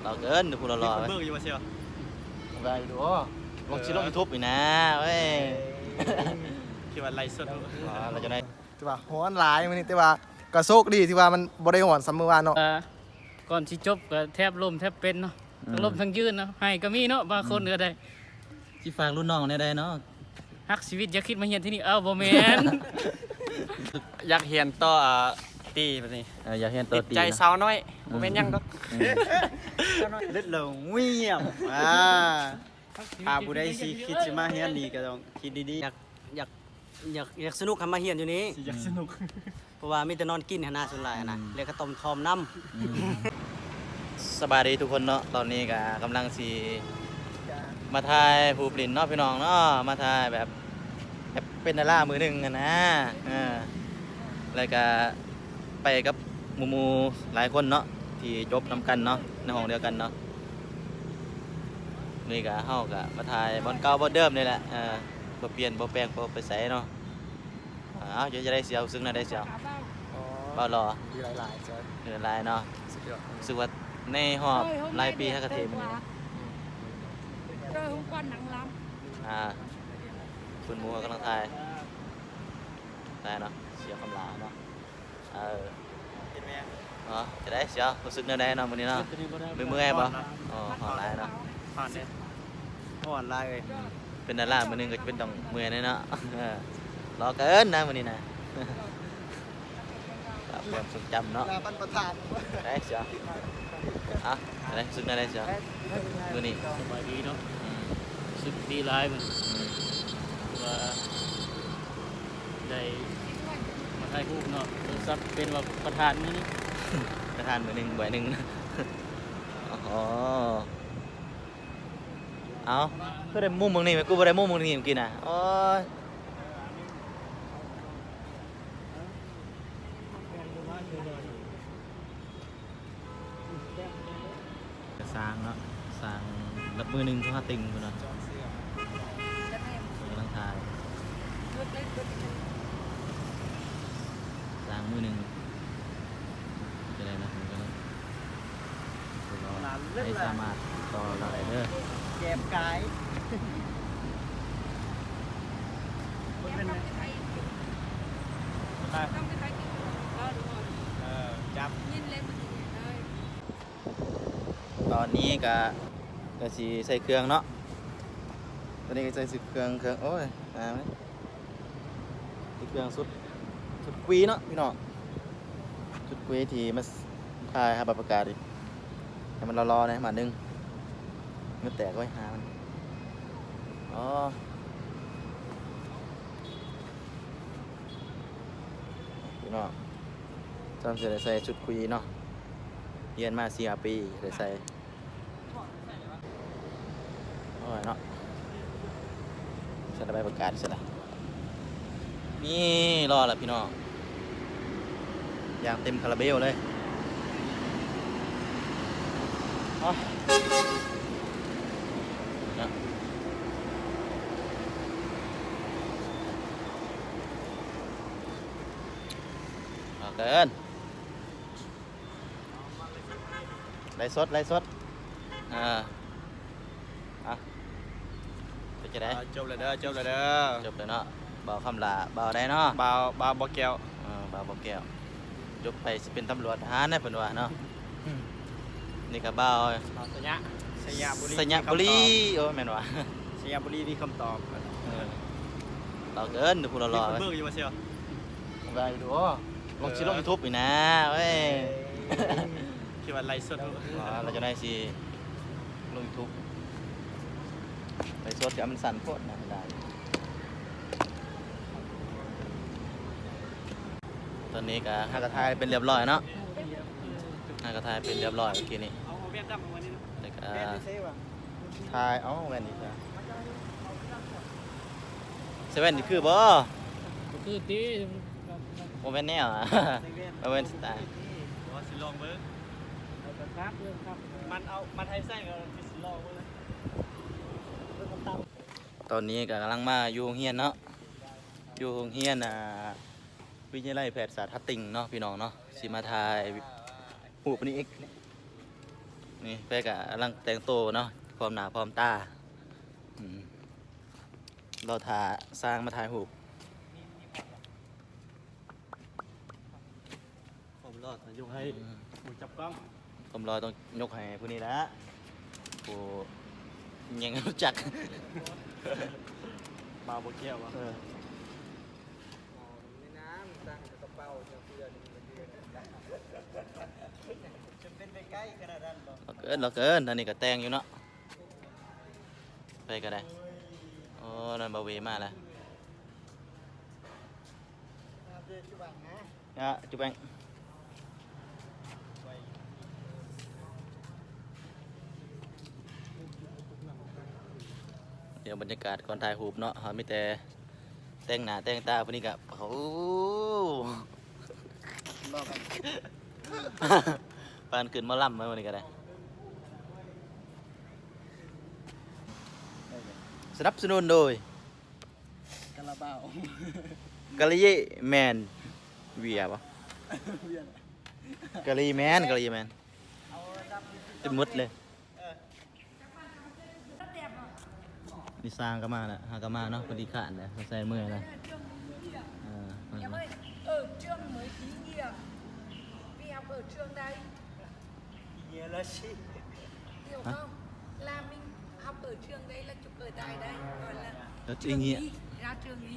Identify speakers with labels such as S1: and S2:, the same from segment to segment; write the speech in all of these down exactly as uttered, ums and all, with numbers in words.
S1: เราเกินดูพูดรอๆ
S2: เบิกอยู่มาเชียว
S1: ไปดูลงชิลลงยูทูบอีกนะเว้ย
S2: คิดว่าไลฟ์สด
S1: เราจะได้
S3: ที่ว่าฮ้อนหลายมื้อนี้แต่ว่าก็โชคดีที่ว่ามันบ่ได้ฮ้อนสำมื้อวานเนาะ
S4: ก่อนสิจบก็แทบล้มแทบเป็นเนาะทั้งล้มทั้งยืนเนาะให้ก็มีเนาะบางคนก็ได้
S1: ที่ฝากรุ่นน้องเนี่ยได้เนาะ
S4: ฮักชีวิตอย่าคิดมาเฮียนที่นี่เอ้าบ่แม่น
S2: อยากเห็นต่อตีแบบนี้
S1: อยากเห็นตัว
S2: ติด
S1: ตี
S2: ใจสาวน้อยผมเป็นยังดอก
S5: เล็ดเหลงเงียบอ่าอาบุได้สิคิดสิมาเฮียนนี่ก็ต้องคิดดี
S6: อยากอยากอยากอยากสนุกทำมาเฮียนอยู่นี้
S5: ๆอยากสนุก
S6: เพราะว่ามีแต่นอนกินหนนาส่วนหลายนะเรียกข้าวต้มทอมน้
S1: สบายดีทุกคนเนาะตอนนี้ก็กำลังสีมาถ่ายผู้ปลินเนาะพี่น้องเนาะมาถ่ายแบบแบบเป็นดารามือหนึ่งอะนะอ่าแล้วก็ไปกับหมูมูหลายคนเนาะที่จบนำกันเนาะในห้องเดียวกันเนาะนี่ก็เฮาก็มาถ่ายบอลเก่าบอลเดิมนี่แหละเออบ่เปลี่ยนบ่แปลงบ่ไปใส่เนาะอ้าวเดี๋ยวจะได้เสียวซึ่งน่าได้เสียวเบารอ
S3: มีหลายๆจ้ะ
S1: เดือนลายเนาะ
S3: สุดยอด
S1: รู้สึกว่าในหอบรายปีฮักกะเทมัน
S7: เจอหุ้มก้อนหนังล้
S1: อ่าคุณมัวกำลังทายได้เนาะเสียวคำลาเนาะเออเนาะจะได้เสียวรู้สึกแนวใดเนาะมื้อนี้เนาะมือเมื่อยบ่อ๋อหอบหลายเนาะ
S2: ผ่านเนี่ย
S5: อ่อนลายเลย
S1: เป็นดารามื้อหนึงก็จะเป็นต้องเมื่อยแน่เนาะเออรอเกินนะมื้อนี้นะครับความทรงจำเนาะ
S3: ลาปันประธาน
S1: ได้เสียวอ่ะจะได้รู้สึกแนวใดเสียวมื้อนี้
S4: สบายดีเนาะ
S1: อืม
S4: รู้สึกดีหลายมัน
S1: อืม
S4: ว่าได้มาถ่ายรูปเนาะโทรศัพท์เป็นว่าประธานมื้อนี้
S1: ประทานมื้อหนึงบ่อยหนึงอ๋อเอาก็ได้มุมมึงนี่ไหมกูบ่ได้มุมมึงนี่เมื่อกี้น่ะโอ้ยสร้างเนาะสร้างรับมือหนึ่งเขาติงกูเนาะกำลังถ่ายสร้างมือหนึ่งจะได้นะผมก็รอให้สามารถต่อเราได้เด้อ
S5: แกมกาย
S7: ำต้องไปใช้ต้องไปใช้กินก็ดู
S5: เออจับ
S7: ยินเล่นมันดีเลย
S1: ตอนนี้ก็ก็สิใส่เครื่องเนาะตอนนี้ก็ใส่สิเครื่องเครื่องโอ้ยอ่าไหมใส่เครื่องสุดสุดกวีเนาะพี่น้องสุดกวีที่มาถ่ายหาบัตรประกาศดิให้มันรอๆนะมาหนึ่งเงือแตกไว้หามันอ๋อพี่น้องจำเสร็จใส่ชุดคุยเนาะเรียนมาสี่ปีได้ใส่โอ้ยเนาะใส่ใบประกาศใช่ไหมนี่รอแล้วพี่น้องยางเต็มคาราเบลเลยอ๋อนะเอาเกินไล่สดไล่สดอ่าอ่ะไปจะได้
S2: จบเลยเด้อจบเลยเด้อ
S1: จบเลยเนาะเบาคำลาเบาได้เนาะ
S2: บ่าวบ่าวบ่แก้ว
S1: เออเบาบ่แก้วจบไปสิเป็นตำรวจทหารนะเพิ่นว่าเนาะนี่ก็เบา
S2: บ่าวสยะสยามบุรี
S1: สัญญาบุรีโอ้ยแม่นว่า
S5: สยามบุรีมีคำตอบ
S1: เออเราเกินดูพูดรอๆ
S2: เบิกอยู่มาเชียว
S1: ไปดูลงชิลลงยูทูบอีกนะเว้ย
S2: คิดว่าไลฟ์สด
S1: อ๋อเราจะได้สิลงยูทูบไปสดกับมันสั่นโคตรนะไม่ได้ตอนนี้ก็ห้ากระทายเป็นเรียบร้อยเนาะห้ากระทายเป็นเรียบร้อยเมื่อกี้นี้
S2: เอาเวียดนามมาวันนี้
S1: แล้วก็
S5: แม่ไม่ใช่ว่ะ
S1: ทายเอ้าแว่นอีกแล้วเซเว่นนี่คือบ่
S4: ก็คือตี
S1: โมเมนต์แนวอ่ะโมเมนต์สไตล์
S2: ว่าสิลองเบิก
S4: ครับเรื่องครับ
S2: มันเอามันให้ใส่ก็สิลองเบิก
S1: ตอนนี้ก็กำลังมาอยู่โรงเรียนเนาะอยู่โรงเรียนอ่าวิทยาลัยแพทยศาสตร์ทัตติงเนาะพี่น้องเนาะสิมาถ่ายหูปนี้อีกนี่ไปกะกำลังแต่งตัวเนาะพร้อมหน้าพร้อมตาอืมเราถ่าสร้างมาถ่ายรูป
S2: ผมรอดยกให้หมูจับกล้อง
S1: ผมรอต้องยกให้ผู้นี้ละผู้ยังรู้จัก
S2: บาวโบเกียววะ
S1: เออ
S3: ในน้ำตั้งกระเป๋าเพื่อน
S5: จะเป็นไปใกล้ขนาดนั้นบ่
S1: เราเกินเราเกินอันนี้ก็แต่งอยู่เนาะไปก็ได้โอ้นั่นบาเวมาแล้วอ่ะจุ๊บแบงเดี๋ยวบรรยากาศก่อนถ่ายรูปเนาะเขามีแต่แต่งหน้าแต่งตาพวกนี้กับโอ้ ปานขึ้นมาล่ำมาวันนี้ก็ได้สนับสนุนโดย
S5: กะละเบ้าก
S1: ะลีแมนเวียปะกะลีแมนกะลีแมนจะมุดเลยนี่สร้างก็มาแล้วหาก็มาเนาะพอดีขาดเลยมาใส่เมื่อยเลยเออ
S7: em ơi ở trường mới ý nghĩa vì học ở trường đây
S5: เยอะแล้วสิ
S7: hiểu không là mình học ở trường đây là chụp ở tại đây gọi là
S1: แล้วจริงเงี้ย
S7: y ra trường y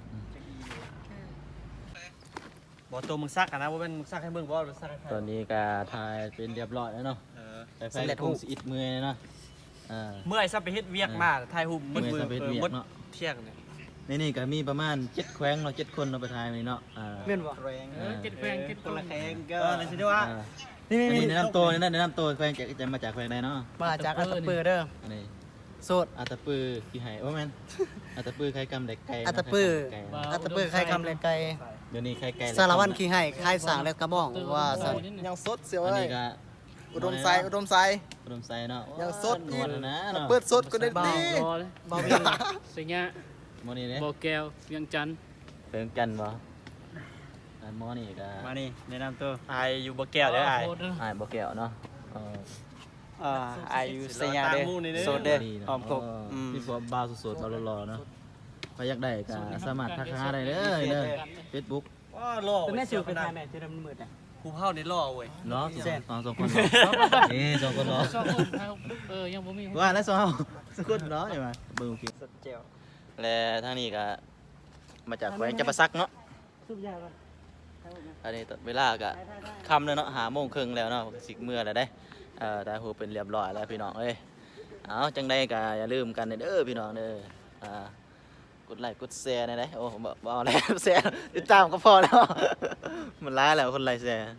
S2: บอกตัวมึงซักอะนะว่าเป็นมึงซักให้มึงบอกมึงซักให้ใคร
S1: ตอนนี้ก็ถ่ายเป็นเรียบร้อยแล้วเนาะ
S2: เออ
S1: ไปไฟคงสิอิดเมื่อยเนาะอ่า
S2: เมื่อยซับไปเฮ็ดเวียกมาถ่ายรูปมืด
S1: เมื่อยซับไปเฮ็ดเวียก
S2: มืด
S1: เนาะ
S2: เที่ยงเนี่ย
S1: ในนี่ก็มีประมาณเจ็ดแขวงเราเจ็ดคนเราไปถ่ายมานี่เนาะอ่า
S5: เม่นบ่แรง
S7: เออเจ็ดแฟนเจ็ด
S5: คนละแขงก็
S2: เออเลยสิได้ว่า
S1: อ่า
S5: นี่
S1: อัน
S5: นี่
S1: นี้แนะนำตัวนี่นะแนะนำตัวแขวงจะจะมาจากแขวงใดเนาะ
S3: มาจากอัตตปือเด้อ
S1: อันนี้
S3: โสด
S1: อัตตปือกี่ไหโอ้แมนอัตตปือใครกำเด็กไก่
S3: อัตตปือ
S1: ไก่
S3: อัตตปือใครคำเลยไกล
S1: เดี๋ยวนี้ใครไก่
S3: สารวัตรขี้ให้ใครสางและกระบ้องว่าสันยังสดเสียว
S1: อัน
S3: เล
S1: นี้
S3: ย
S1: ก็
S3: อุดมไซอุดมไซ
S1: อุดมไซเนาะ
S3: ยังสด
S1: นวลนะเนาะ
S3: เปิดสดก็ได้
S4: บ่า
S3: ดี
S4: วรอเลยบ่าวสิงห์
S1: โมนี่เนี่ย
S4: บ่อแก้วเวียงจันทน์
S1: เป็นกันบ่อันหมอนี่ก็
S5: มานี่แนะนำตัว
S2: ไอายอยู่บ่แก้วเด้อไอาย
S4: โคตรเด้อ
S1: อ่านบ่แก้วเนาะเออ
S5: อ่าอายุสยาเด้อโซเด้อ
S1: ดีนะ
S5: หอมกบอืม
S1: พี่พวกบาวสดๆบาวรอๆเนาะใครอยากได้ก็สามารถทักหาได้เด้อเด้อ Facebook
S2: ว้าล่อ
S5: เป็นแม่ชื่อเป็นทายแม่ชื่อดำมืดอ่ะ
S2: ผู้เฮานี่ล่อเว้ย
S1: เนาะสองสองคนนี่สองคนเนาะ
S4: ชอบคนไทยเออยังบ่มี
S1: ว่าแล้วสองสกุลเนาะใช่ไหมเบิ่งคลิป
S5: สดเจียว
S1: และทางนี้ก็มาจากแขวงจำปาสักเนาะ
S5: ซุปยาป่ะ
S1: อันนี้เวลาก็ค่ำแล้วเนาะหาโมงครึ่งแล้วเนาะสิเมื่อแล้วได้เอ่อแต่หูเป็นเรียบร้อยแล้วพี่น้องเอ้ยเอาจังใดก็อย่าลืมกันเด้อพี่น้องเด้ออ่ากดไลค์กดแชร์หนะเด้อโอ้บ่บ่เอาแล้วแชร์ติดตามก็พอแล้ว มันร้ายแล้วคนไลค์แชร์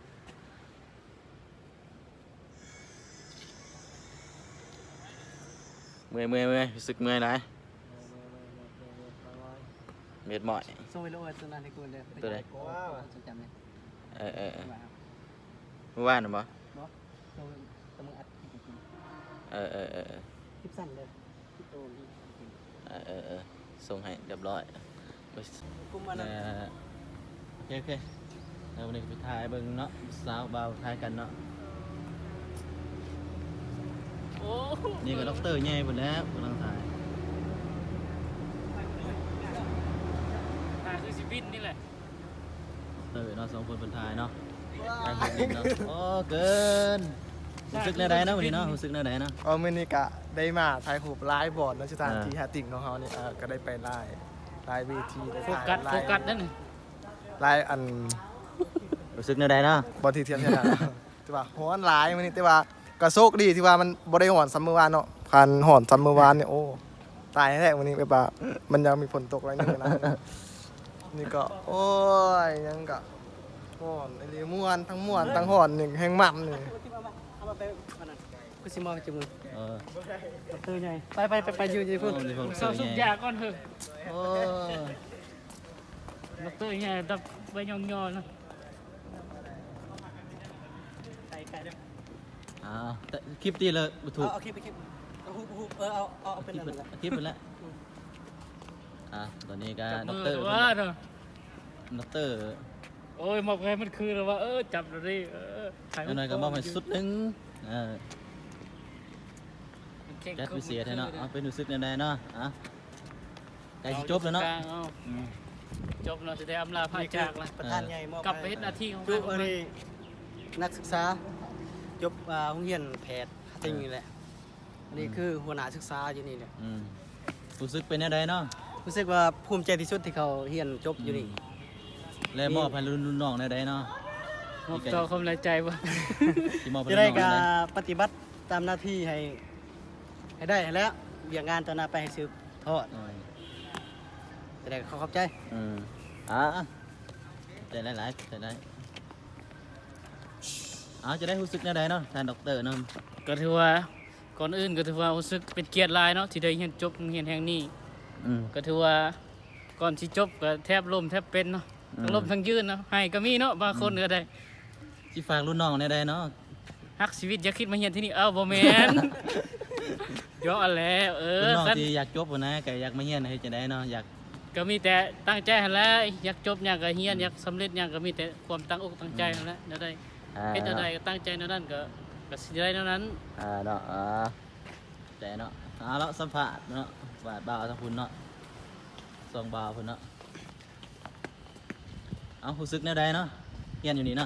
S1: เมื่อยเมื่อยเมื่อยรู้สึกเมื่อยไหนเม็ดหมอย
S5: ส่งไปโลดตัวนั้นให้กูเลย
S1: ตัวไหน
S5: ว้าวจำเลย
S1: เออเออเออเมื่อวานน่ะบ่
S5: ส่งตะมึงอัด
S1: เออเออเออเออ
S5: คลิปสั้นเลยคลิปโตนี่
S1: เออเออเออส่งให้เรียบร้อยโอ้ย
S5: กูมา
S1: เอ
S5: นะ
S1: อโอเคโอเคแล้ววันนี้ก็ไปถ่ายเบิ่งเนาะสาวบ่าวถ่ายกันเนาะ
S4: โอ้
S1: นี่ก็ด็อกเตอร์ใหญ่หมดแล้วกำลังถ่าย
S4: ตาคือชีวิตนี่แหละ
S1: ด็อกเตอร์เนาะสองคนเป็นถ่ายเนาะถ่ายคนเนาะโอ้เกินรู้สึกแนวใดเนาะวันนี้เนาะรู้สึกแนวใดเนาะ
S3: เอาเมนิกะได้มาถ่ายหูปไลฟ์บอร์ดแล้วสถาน
S1: อ่า
S3: ที่หาติ่งของเขาเนี่ยเออก็ได้ไปไล่ไล่เวทีได้
S4: โฟ
S3: ถ่าย
S4: กัส
S3: ไล่
S4: โฟกัสนั่นนี่
S3: ไล่อัน
S1: รู้สึกแนวใดเนาะ
S3: บอลทีเทียมเนี่ยนะ ที่ว่าฮ้อนหลายมันนี่ที่ว่าก็โชคดีที่ว่ามันบ่ได้หอนซัมเมอร์วานเนาะคันหอนซัมเมอร์วานเนี่ยโอ้ตายแท้วันนี้ไปป่ะมันยังมีฝนตกอะไรนึงนะ นี่ก็โอ้ยยังก็ฮ้อนไอ้เรียม่วนทั้งม่วนทั้งหอนหนึ่งแห้งมันนี่
S5: เอามาไปมันนั่นกูสิมองจมูก
S1: เออ
S5: ตัวใหญ่ไปไปไปไปอยู่ที่
S1: โอ้
S5: พุ่น
S1: มีคน
S4: เศร้า
S1: เสื
S4: สุ
S1: อ
S4: ด
S1: ให
S4: ยา
S1: ญ่
S4: ก่อนเถอะ
S1: โอ้
S4: ดอกเตอร์ใหญ่ดับใบยองๆนะ
S5: ไก่ไก่เด้อ
S1: อ่าแต่คลิปตีเลยบ่ถูก
S5: เอาคลิปไปคลิปเอาฮูฮูเออเอาเอาเอาเป็น
S1: คลิป
S5: อะไร
S1: ไปคลิปไปแล้วอ่ะตอนนี้ก็
S4: จับ
S1: ด็อก
S4: มือ
S1: เตอร์
S4: ว่าเนาะ
S1: ด็อกเตอร์
S4: โอ้ยมอบให้มันคือแล้วว่าเออจับเลยเออถ่าย
S1: แล้วหน่อยก็มอบให้สุดหนึงเออ
S4: เก่ง
S1: จัด
S4: กว่า
S1: พิเศษให้เนาะ
S4: มื่
S1: เอา
S4: อคื
S1: เป็นรู้สึกแนวใดเนาะอ่ะใกล้สิจบแล้วเนาะ
S4: กงอ
S1: อืม
S4: จบเราจะได้อำลาพาจากละ
S6: ประธานใหญ่มอบ
S4: กลับไปเฮ็ดหน้าที่ของ
S6: จุ
S4: เรา
S6: อันนี้นักศึกษาจบอ่าโรงเรียนแพทย์จริงนี่แหละอันนี้คือหัวหน้าศึกษาอยู่นี่แหละ
S1: อืมรู้สึกเป็นแนวใดเนาะ
S6: รู้สึกว่าภูมิใจที่สุดที่เขาเรียนจบอยู่นี่
S1: และมอบให้รุ่นรุ่นน้องแนวใดเนาะ
S4: มอบต่อความในใจบ่
S1: ที่มอบให้
S6: จะ
S1: รุ่น
S6: ได้
S1: น้องแน
S6: กาว
S1: ใด
S6: ปฏิบัติตามหน้าที่ให้ให้ได้แล้วเบี่ยงงานต่อหน้าไปให้สืบทอด
S1: อืม
S6: จะได้เขาเข้าใจ
S1: อืมอ่ะใจหลายๆใจหลายเอ้าจะได้รู้สึกแนวใดเนาะท่านด็อกเตอร์เนาะ
S4: ก็ถือว่าก่อนอื่นก็ถือว่ารู้สึกเป็นเกียรติหลายเนาะที่ได้เรียนจบโรงเรียนแห่งนี้
S1: อืม
S4: ก็ถือว่าก่อนที่จบก็แทบล้มแทบเป็นเนาะ
S1: อืม
S4: ทั้งล้มทั้งยืนเนาะให้ก็มีเนาะบางคนก็ได้
S1: สิฝากรุ่นน้องแนวใดเนาะ
S4: ฮักชีวิตอย่าคิดมาเรียนที่นี่เอ้าบ่แม่น เดี๋ยวเอันแล้วเอ
S1: รุ่
S4: อน
S1: น้อง
S4: คัน
S1: ที่อยากจบบ่นะก็อยากมาเรียนให้จังได๋เนาะอยาก
S4: ก็มีแต่ตั้งใจหั่นแหละอยากจบหยังก็เรียนอยากสำเร็จหยังก็มีแต่ความตั้งอกตั้งใจหั่นแหละแล้วได้
S1: อ่า
S4: เฮ็ดอะไรก็ตั้งใจแนวนั้นก็ก็สิได้แนวนั้น
S1: อ่าเนาะอ่าแต่เนาะเอาละสัมภาษณ์เนาะบาดบ่าวทั้งพุ่นเนาะสองบ่าวพุ่นเนาะเอารู้สึกแนวใดเนาะเรียนอยู่นี่เนาะ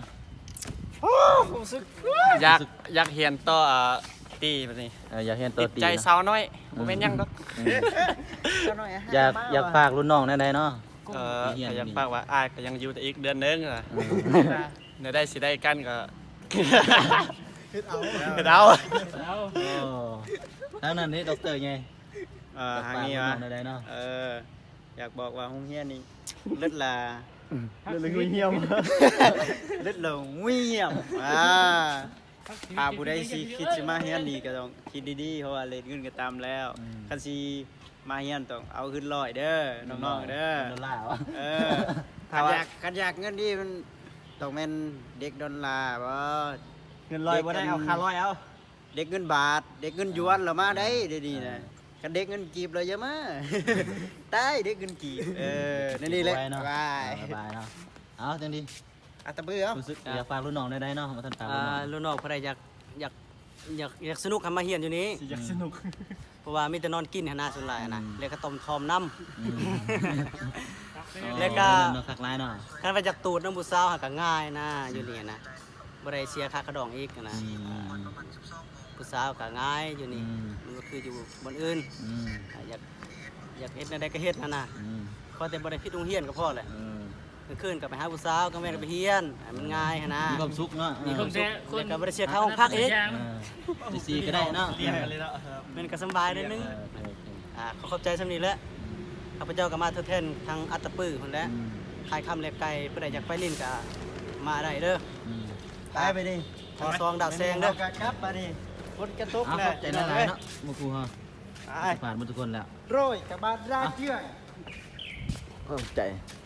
S2: อยากอยากเรียนต่ออ่าตีแบบนี้
S1: เอออยากเรียนต่
S2: ติ
S1: อ
S2: ด
S1: ตี
S2: ใจ
S1: เนาะ
S2: สาวน้อยบ่แม่นหยังดอก
S1: อืมอยากอยากฝากรุ่นน้องแนวใดเนาะ
S2: เออ
S1: เรียน
S2: ก็
S1: อยู่
S2: ยัง
S1: นี่
S2: ฝากว่าอ้ายก็ยังอยู่แต่อีกเดือนนึงอ่ะ
S1: อืม
S2: เดี๋ยวได้สิได้กันก็
S3: เฮ็ดเอา
S2: เฮ็ดเอา
S4: เอา
S1: โอ้ทางนั้นนี่ด็อกเตอร์ไง
S5: เอ่อ
S1: อยาก
S5: ทาง
S1: ฝาก
S5: นี้
S1: รุ่น
S5: วะ
S1: น้องแนวใดเนาะ
S5: เอออยากบอกว่าโรงเรียนนี่เลิศลา
S3: เรื่องเงียบ
S5: เลิศลงเงียบอ่าถ้าผู้ใดสิคิดสิมาเรียนนี่ก็ต้องคิดดีๆเพราะว่าเรียนเงินก็ตามแล้วคันสิมาเรียนต้องเอาขึ้นร้อยเด้อน้องๆเด้อ
S1: ดอลลาร์วะ
S5: เออขันอยากขันอยากเงินดีมันต้องเป็นเด็กดอลลาร์บ่
S6: เงินลอยบ่ได้เอาคาร้อยเอา
S5: เด็กเงินบาท เด็กเงินหยวนเรามาได้เดี๋ยวนี้นะกันเด็กเงินกีบเราเยอะมา ตายเด็กเงินกีบเออนั่นนี่แหละ
S1: ไว้เนาะ
S5: บาย
S1: สบายเนาะเอาจังดี
S5: อัตตะเบือ
S1: รู้สึกอยากฝากรุ่นน้องได้เนาะมาท่านฝาก
S6: อ่า
S1: รุ่นน้อง
S6: รุ่นน้องผู้ใดอยากอยากอยากอยากสนุกทำมาเฮียนอยู่นี้
S3: อยากสนุก
S6: เพราะว่ามีแต่นอนกินหั่นน่ะส่วนหลายอะนะแล้วก็ต้มทอมน้ำ
S1: อืม
S6: แล้วก็
S1: เนาะคักหลายเนาะ
S6: คันไปจากตูดน้ำผู้สาวหาก็ง่ายนะอยู่นี่นะบ่ได้เสียค่ากระดองอีกนะ
S1: อืมอืม
S6: ผู้สาวก็ง่ายอยู่นี่
S1: อืม
S6: มันก็คืออยู่บนอื่น
S1: อืม
S6: อ่าอยากอยากเฮ็ดในใดก็เฮ็ดนั่นน่ะ
S1: อืม
S6: ขอแต่บ่ได้ผิดโรงเรียนก็พอแหละ
S1: อืม
S6: กลางคืนก็ไปหาผู้สาวกลางวันก็ไปเฮียนให้มันง่ายหั่นนะ
S1: มีความสุขเนาะ
S4: มีคนแท้คน
S6: แล้วก็บ่ได้เสียค่าห้องพักอีก
S1: เออไปซีก็ได้เนาะ
S2: เรียนกันเลยเนาะ
S6: มันก็สำบายนิดนึง
S1: เออโอเค
S6: อ่าขอขอบใจสำนี้แหละข้าพเจ้าก็มาทดแทนทางอัตตปื้อพุ่นแหละ
S1: อืม
S6: ขายคำเล็บไก่ผู้ใดอยากไปลิ้นก็มาได้เด้อ
S1: อืม
S5: ตายไปดิ
S6: ทางซองดาวแซงเด้อ
S5: ครับมาดิฝนกระตุก
S1: เอา
S5: เล
S1: ขอย บใจหลายๆเนาะหมู่ครูเฮา
S5: ไป
S1: ผ่านหมดทุกคนแล้ว
S5: โรยกับบาดราเชื่อ
S1: ขอบใจ
S5: ไ